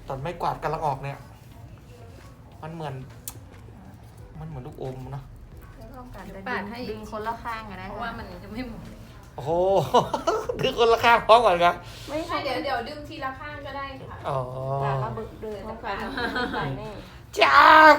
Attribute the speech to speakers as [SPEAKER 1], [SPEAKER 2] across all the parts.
[SPEAKER 1] ตอนไม้กวาดกำลังออกเนี่ยมันเหมือนลูกอมเนาะ
[SPEAKER 2] ไม่ต้องการจะ
[SPEAKER 3] ปาดให้
[SPEAKER 2] ดึงคนละข้างกันนะ
[SPEAKER 3] เพราะว่ามันจะไม่หมุน
[SPEAKER 1] โอ้โห ดึงคนละข้างพร้อมก่อนครับ
[SPEAKER 2] ไม่ใช่เดี๋ยวดึงทีละข้างก็ได้ค่ะ
[SPEAKER 1] อ๋อ
[SPEAKER 2] แต่ละบึกเดินต้องการใส่แน่
[SPEAKER 1] จาก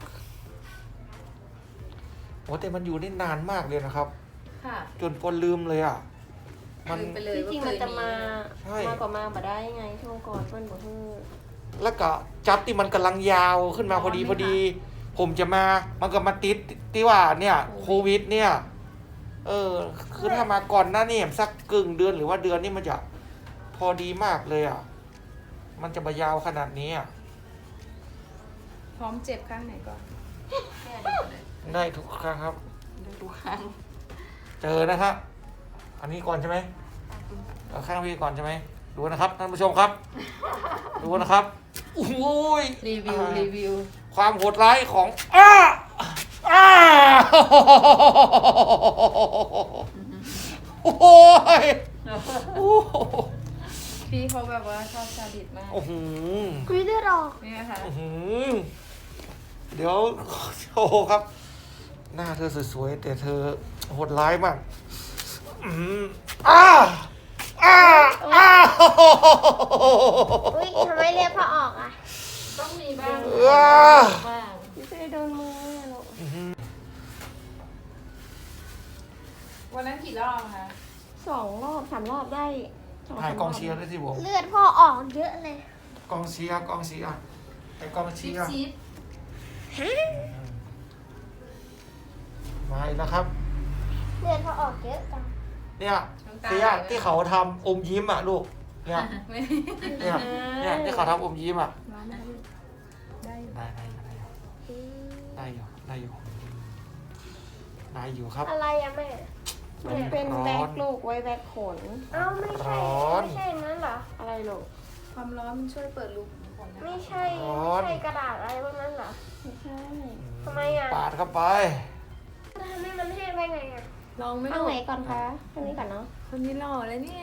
[SPEAKER 1] โอ้แต่มันอยู่ได้นานมากเลยนะครับ
[SPEAKER 3] ค่ะ
[SPEAKER 1] จนปนลืมเลยอ่ะ มัน
[SPEAKER 3] ลืมไปเลย
[SPEAKER 2] ที่จริงมันจะมา
[SPEAKER 1] ใช่
[SPEAKER 2] มากกว่ามาบ่ได้ไงช่วงก่อนเพิ่นบอกคือ
[SPEAKER 1] แล้วก็จับที่มันกำลังยาวขึ้นมาพอดี ผมจะมา มันก็มาติดที่ว่าเนี่ยโควิดเนี่ย คือถ้ามาก่อนหน้านี่สักกึ่งเดือนหรือว่าเดือนนี่มันจะพอดีมากเลยอ่ะ มันจะมายาวขนาดนี้อ่ะ
[SPEAKER 3] พร้อมเจ็บข้างไหนก่อน
[SPEAKER 1] ได้ทุกครั้งครับ
[SPEAKER 2] ดูข้าง
[SPEAKER 1] เจอนะครับ อันนี้ก่อนใช่ไหมเอาข้างพี่ก่อนใช่ไหมดูนะครับท่านผู้ชมครับ ดูนะครับโอ้ย
[SPEAKER 3] รีวิว
[SPEAKER 1] ความโหดร้ายของโอ้ยโอ้โห
[SPEAKER 3] พี่เขาแบบว่าชอบซาดิสมาก
[SPEAKER 1] โอ้โห
[SPEAKER 2] คุยได้หรอ
[SPEAKER 3] นี่นะคะ
[SPEAKER 1] อื้อหือเดี๋ยวโชว์ครับ หน้าเธอสวยๆแต่เธอโหดร้ายมากอืมอ้า
[SPEAKER 4] อุ้ยทำไมเรียกพอออกอ่ะ
[SPEAKER 3] ต้องมีบ้าง
[SPEAKER 1] ว้า
[SPEAKER 3] บ้าง
[SPEAKER 2] ไม่ใช่โดนมือหรอก
[SPEAKER 3] วันนั้นกี่รอบคะ
[SPEAKER 2] 2 รอบ 3 รอบได้
[SPEAKER 1] ถ่ายกองเชียร์ด้วยสิผม
[SPEAKER 4] เลือดพ่อออกเยอะเลย
[SPEAKER 1] กองเชียร์ไอ้กองเชียร์
[SPEAKER 3] ชีส
[SPEAKER 1] มาอีกแล้วครับ
[SPEAKER 4] เลือดพ่อออกเยอะจัง
[SPEAKER 1] เนี่ยเสียที่เขาทำอมยิ้มอ่ะลูก เนี่ย
[SPEAKER 3] ไม่
[SPEAKER 1] เนี่ยที่เขาทำอมยิ้มอ่ะ
[SPEAKER 3] ร้อนได้ได้
[SPEAKER 1] ได้อยู่ครับ
[SPEAKER 4] อะไรอะแม่
[SPEAKER 2] มันเป็นแบ็คลูกไว้แบ็คขน
[SPEAKER 4] เอ้าไม่ใช่
[SPEAKER 1] ร้อน
[SPEAKER 4] ไม่ใช่นั้นเหรอ
[SPEAKER 2] อะไรลูก
[SPEAKER 3] ความร้อนมันช่วยเปิดรูขุมขนนะ
[SPEAKER 4] ไม่ใช่
[SPEAKER 1] ร้อน
[SPEAKER 4] ไม่ใช่กระดาษอะไรพวกนั้นเหรอ
[SPEAKER 2] ไม่ใช่
[SPEAKER 4] ทำไมอะ
[SPEAKER 1] ปาดเข้าไป
[SPEAKER 4] ทำให้มันแห้งได้ไงอะ
[SPEAKER 3] ลองไม่
[SPEAKER 2] เอา
[SPEAKER 3] ลง
[SPEAKER 2] ไหนก่อนคะอันนี้ก่อนเนาะ
[SPEAKER 3] คนนี้หล่อเลยเนี่ย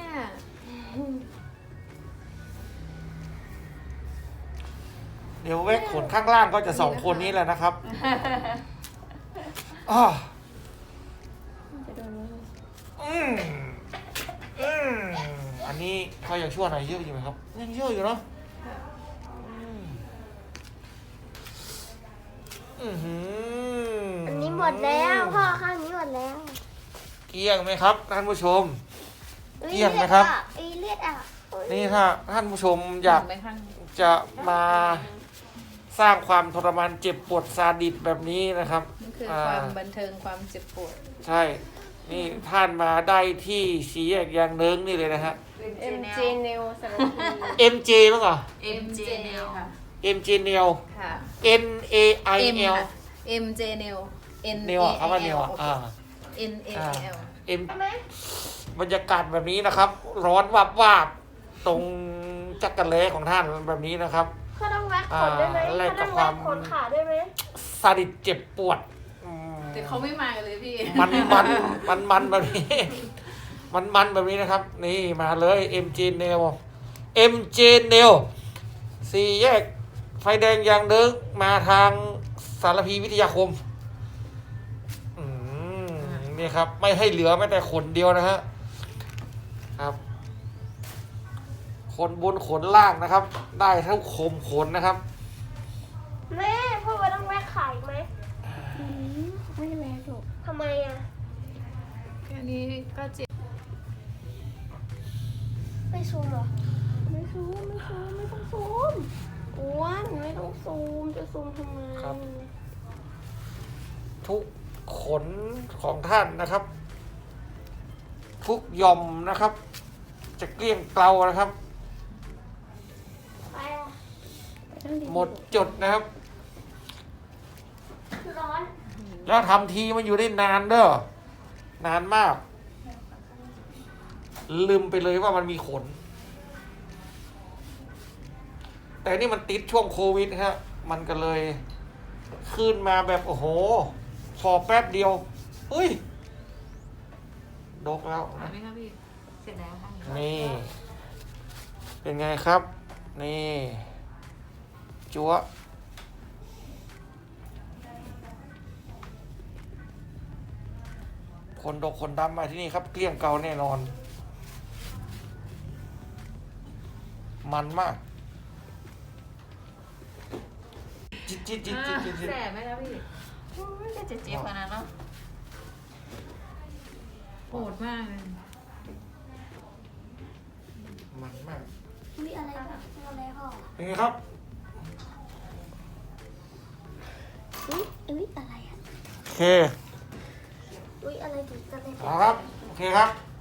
[SPEAKER 1] เดี๋ยวเวกขนข้างล่างก็จะ2 คนนี้แหละนะครับอ้อ
[SPEAKER 2] จะโดนมือ
[SPEAKER 1] อืมอันนี้เขาอยากชั่วหน่อยเยอะอยู่ไหมครับยังเยอะอยู่เนาะอืม
[SPEAKER 4] อันนี้หมดแล้วพ่อข้างนี้หมดแล้ว
[SPEAKER 1] เกลี้ยงไหมครับท่านผู้ชม
[SPEAKER 4] อุ๊
[SPEAKER 1] เกลี้ยงไหมครับ
[SPEAKER 4] เลือดอะอุ๊ย
[SPEAKER 1] นี่ถ้าท่านผู้ชมอยาก
[SPEAKER 3] ไปข้าง
[SPEAKER 1] จะมาสร้างความทรมานเจ็บปวดซาดิสแบบนี้นะครับ
[SPEAKER 3] นี่คือความบันเทิงความเจ็บปวด
[SPEAKER 1] ใช่ นี่ท่านมาได้ที่สีแยกยางเนิ้งนี่เลยนะฮะ
[SPEAKER 2] MJ Nail สารพี
[SPEAKER 1] MJ มั้งเหรอ
[SPEAKER 3] MJ Nail ค่ะ
[SPEAKER 1] MJ Nail
[SPEAKER 3] ค่ะ
[SPEAKER 1] N A I
[SPEAKER 3] M
[SPEAKER 1] L
[SPEAKER 3] ค่ะ MJ Nail N
[SPEAKER 1] Nail อ่ะคำว่า Nail อ่ะ
[SPEAKER 3] N A L
[SPEAKER 1] M
[SPEAKER 4] ใช่ไหม
[SPEAKER 1] บรรยากาศแบบนี้นะครับ ร้อนวับวาบตรงจักรเละของท่านแบบนี้นะครับ
[SPEAKER 4] เขาต้องแว็กขนได้ไหม
[SPEAKER 1] แลก
[SPEAKER 4] เขา
[SPEAKER 1] กั
[SPEAKER 4] ต้
[SPEAKER 1] บ
[SPEAKER 4] อง
[SPEAKER 1] ควา
[SPEAKER 4] แว็
[SPEAKER 1] ม
[SPEAKER 4] กขนขาได้ไหม
[SPEAKER 1] ซาดิสเจ็บปวดอืม
[SPEAKER 3] แต่เขาไม่มากันเลยพี่
[SPEAKER 1] มันแบบนี้ มันแบบนี้นะครับ นี่มาเลย MJ Nail MJ Nail สี่แยกไฟแดงยางเดิงมาทางสารพีวิทยาคมนี่ครับ ไม่ให้เหลือแม้แต่ขนเดียวนะฮะครับขนบนขนล่างนะครับ ได้ทั้งคมขนนะครับ
[SPEAKER 4] แม่พ่อว่าต้องแว็กขาอีกไหม
[SPEAKER 2] ไม่แรงลูก
[SPEAKER 4] ทำไมอะ
[SPEAKER 3] แค่นี้ก็เจ็บ
[SPEAKER 4] ไม่ซูมเหรอ
[SPEAKER 2] ไม่ซูมไม่ต้องซูมอ้วนไม่ต้องซูมจะซูมทำไม
[SPEAKER 1] ครับ ทุกขนของท่านนะครับ ทุกหย่อมนะครับ จะเกลี้ยงเกลานะครับ
[SPEAKER 4] ไปอะ
[SPEAKER 1] หมดจดนะครับ
[SPEAKER 4] ร้อน
[SPEAKER 1] แล้วทำทีมันอยู่ได้นานเด้อนานมาก ลืมไปเลยว่ามันมีขน แต่นี่มันติดช่วงโควิดฮะมันก็เลยขึ้นมาแบบโอ้โหพอแป๊บเดียวเฮ้ยดกแล้ว
[SPEAKER 3] หาย
[SPEAKER 1] นะ
[SPEAKER 3] ไหมครับพี่ เสร็จแล้วข้างนี้
[SPEAKER 1] นี่ เป็นไงครับ นี่จั๊วคนดกคนดำมาที่นี่ครับเกลี้ยงเกาแน่นอน มันมากจิตจิตจิตจิตจิตจิต
[SPEAKER 3] แสบไหมครับพี่ไม่ได้เจ็บขนาดนั้นเนาะโหดมากเลย
[SPEAKER 1] มันมาก
[SPEAKER 2] มีอะไรบ้างอะไรพ่อ
[SPEAKER 1] เป็นไงครับ
[SPEAKER 2] อุ้ยอะไรอ่ะ
[SPEAKER 1] โอเค
[SPEAKER 2] อุ้ยอะไรถึงจะเลย
[SPEAKER 1] เอาครับ โอเคครับ